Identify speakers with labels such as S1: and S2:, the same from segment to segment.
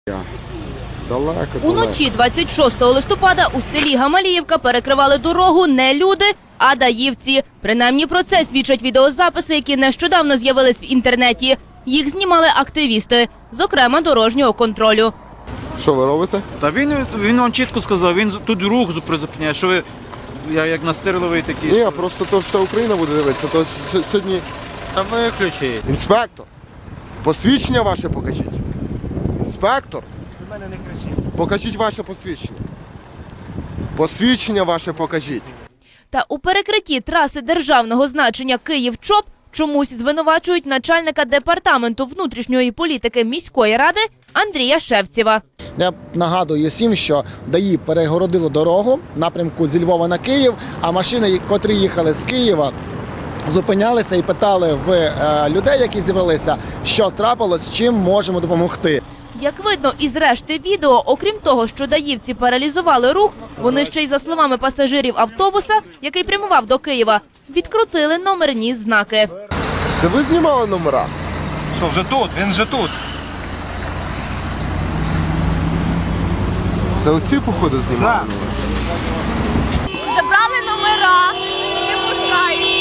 S1: Уночі 26 листопада у селі Гамаліївка перекривали дорогу не люди, а даївці. Принаймні про це свідчать відеозаписи, які нещодавно з'явились в інтернеті. Їх знімали активісти, зокрема дорожнього контролю.
S2: Що ви робите?
S3: Та він вам чітко сказав, він тут рух призупиняє, що ви як настирливий такий.
S2: Ні, просто то вся Україна буде дивитися, то сьогодні...
S3: Та виключіть.
S2: Інспектор, посвідчення ваше покажіть. Інспектор, покажіть ваше посвідчення. Посвідчення ваше покажіть.
S1: Та у перекритті траси державного значення Київ-ЧОП чомусь звинувачують начальника департаменту внутрішньої політики міської ради Андрія Шевцєва.
S4: Я нагадую всім, що ДАІ перегородило дорогу в напрямку зі Львова на Київ, а машини, котрі їхали з Києва, зупинялися і питали в людей, які зібралися, що трапилось, чим можемо допомогти.
S1: Як видно із решти відео, окрім того, що даївці паралізували рух, вони ще й, за словами пасажирів автобуса, який прямував до Києва, відкрутили номерні знаки.
S2: Це ви знімали номера?
S3: Що, вже тут? Він вже тут.
S2: Це оці, походу, знімали?
S1: Забрали номера і не пускають.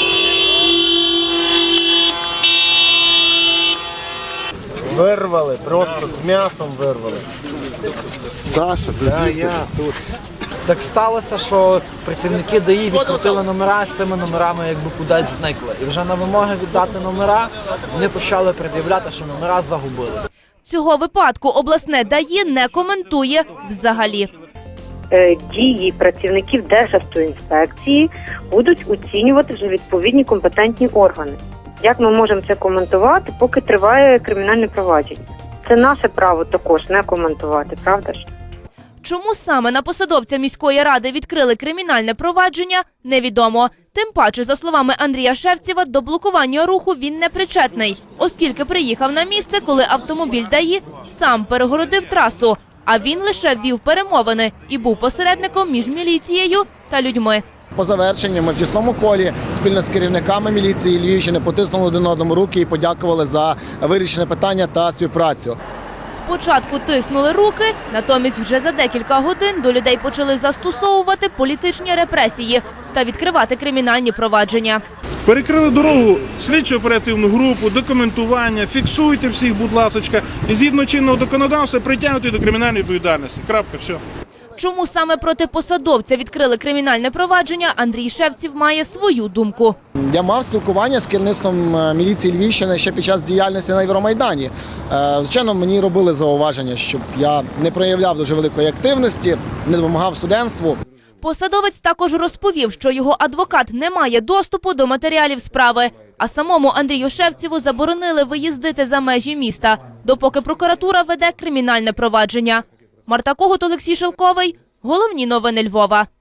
S5: Вирвали, просто з м'ясом вирвали.
S2: Саша, ти
S5: тут. Так сталося, що працівники ДАІ відкрутили номера, з цими номерами якби кудись зникли. І вже на вимоги віддати номера вони почали пред'являти, що номера загубились.
S1: Цього випадку обласне ДАІ не коментує взагалі.
S6: Дії працівників Державтоінспекції будуть оцінювати вже відповідні компетентні органи. Як ми можемо це коментувати, поки триває кримінальне провадження? Це наше право також не коментувати, правда ж?
S1: Чому саме на посадовця міської ради відкрили кримінальне провадження, невідомо. Тим паче, за словами Андрія Шевцєва, до блокування руху він не причетний, оскільки приїхав на місце, коли автомобіль ДАІ сам перегородив трасу, а він лише вів перемовини і був посередником між міліцією та людьми.
S4: По завершенню ми в тісному колі спільно з керівниками міліції Львівщини потиснули один одному руки і подякували за вирішене питання та співпрацю.
S1: Спочатку тиснули руки, натомість вже за декілька годин до людей почали застосовувати політичні репресії та відкривати кримінальні провадження.
S7: Перекрили дорогу, слідчо-оперативну групу, документування, фіксуйте всіх, будь ласочка, і згідно чинного законодавства притягнути до кримінальної відповідальності. Крапка, все.
S1: Чому саме проти посадовця відкрили кримінальне провадження, Андрій Шевцєв має свою думку.
S4: Я мав спілкування з керівництвом міліції Львівщини ще під час діяльності на Євромайдані. Звичайно, мені робили зауваження, щоб я не проявляв дуже великої активності, не допомагав студентству.
S1: Посадовець також розповів, що його адвокат не має доступу до матеріалів справи, а самому Андрію Шевцєву заборонили виїздити за межі міста, допоки прокуратура веде кримінальне провадження. Марта Когут, Олексій Шелковий. Головні новини Львова.